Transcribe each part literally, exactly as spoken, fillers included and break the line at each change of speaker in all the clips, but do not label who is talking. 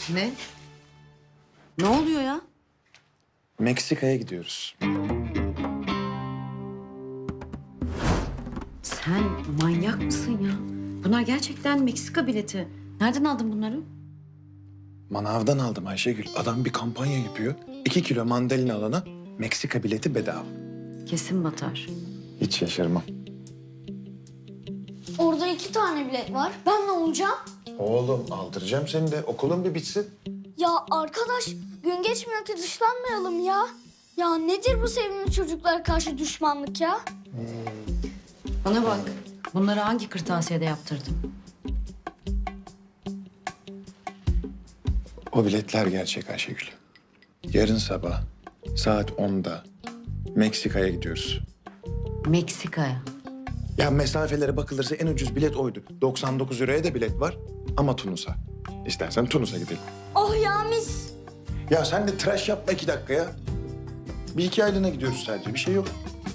Ne? Ne oluyor ya?
Meksika'ya gidiyoruz.
Sen manyak mısın ya? Bunlar gerçekten Meksika bileti. Nereden aldın bunları?
Manavdan aldım Ayşegül. Adam bir kampanya yapıyor. İki kilo mandalina alana Meksika bileti bedava.
Kesin batar.
Hiç şaşırmam.
Orada iki tane bilet var. Ben ne olacağım?
Oğlum aldıracağım seni de. Okulun bir bitsin.
Ya arkadaş gün geçmiyor ki dışlanmayalım ya. Ya nedir bu sevimli çocuklara karşı düşmanlık ya?
Bana bak. Bunları hangi kırtasiyede yaptırdın?
O biletler gerçek Ayşegül. Yarın sabah saat onda Meksika'ya gidiyoruz.
Meksika'ya.
Ya mesafelere bakılırsa en ucuz bilet oydu. doksan dokuz euroya da bilet var ama Tunus'a. İstersen Tunus'a gidelim.
Oh ya mis.
Ya sen de tıraş yapma iki dakika ya. Bir iki aylığına gidiyoruz sadece. Bir şey yok.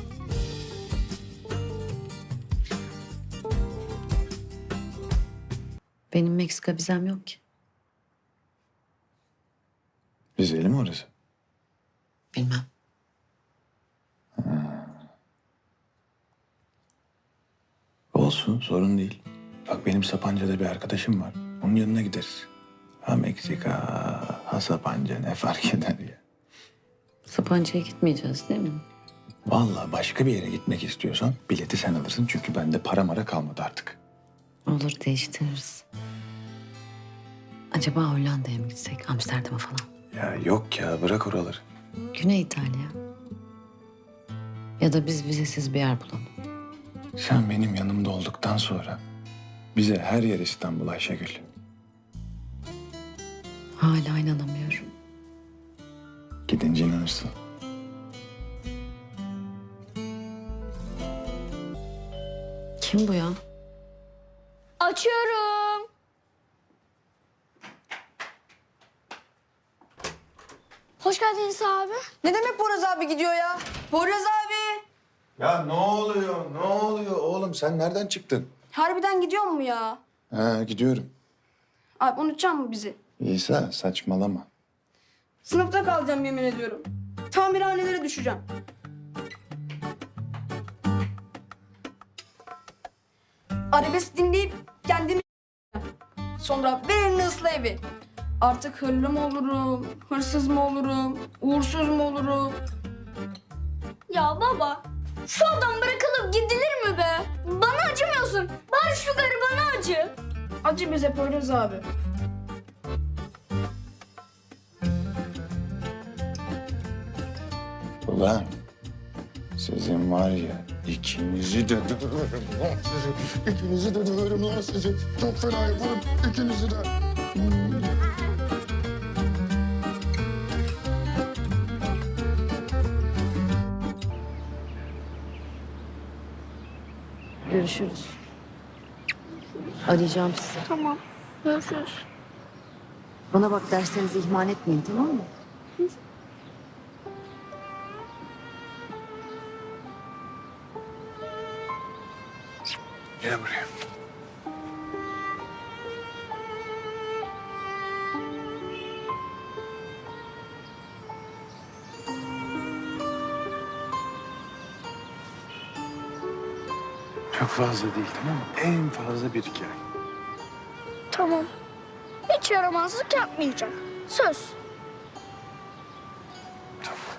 Benim Meksika vizem yok ki.
Vizeli mi orası?
Bilmem.
Olsun, sorun değil. Bak benim Sapanca'da bir arkadaşım var. Onun yanına gideriz. Ha Meksika, ha Sapanca ne fark eder ya.
Sapanca'ya gitmeyeceğiz değil mi?
Vallahi başka bir yere gitmek istiyorsan bileti sen alırsın. Çünkü bende para mara kalmadı artık.
Olur, değiştiririz. Acaba Hollanda'ya mı gitsek? Amsterdam'a falan.
Ya yok ya, bırak oraları.
Güney İtalya. Ya da biz vizesiz bir yer bulalım.
Sen benim yanımda olduktan sonra bize her yer İstanbul Ayşegül.
Hala inanamıyorum.
Gidince inanırsın.
Kim bu ya?
Açıyorum. Hoş geldiniz abi.
Ne demek Poyraz abi gidiyor ya? Poyraz abi!
Ya ne oluyor, ne oluyor oğlum? Sen nereden çıktın?
Harbiden gidiyor mu ya?
Ha gidiyorum.
Abi unutacak mı bizi?
İsa saçmalama.
Sınıfta kalacağım yemin ediyorum. Tamirhanelere düşeceğim. Arabesk dinleyip kendimi sonra ver elini ısla evi. Artık hırlı mı olurum, hırsız mı olurum, uğursuz mu olurum?
Ya baba şu adam bırakılıp gidilir mi be? Bana acımıyorsun. Bari şu garibana acı.
Acı bize Poyraz abi.
Ulan sizin var ya ikinizi de döverim lan sizi. İkinizi de döverim lan sizi. Çok fena yaparım ikinizi de.
Görüşürüz. Arayacağım sizi.
Tamam. Görüşürüz.
Bana bak, derslerinizi ihmal etmeyin, tamam mı?
Gel buraya. Çok fazla değil tamam mı? En fazla bir iki ay.
Tamam. Hiç yaramazlık yapmayacağım. Söz.
Tamam.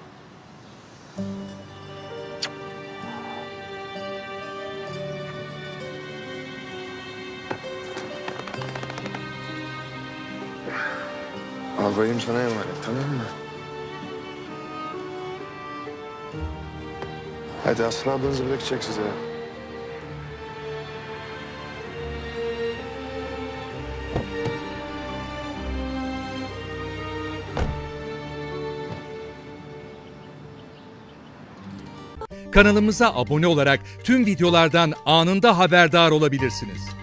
Albayım sana emanet tamam mı? Hadi Aslı ablanızı bırakacak size.
Kanalımıza abone olarak tüm videolardan anında haberdar olabilirsiniz.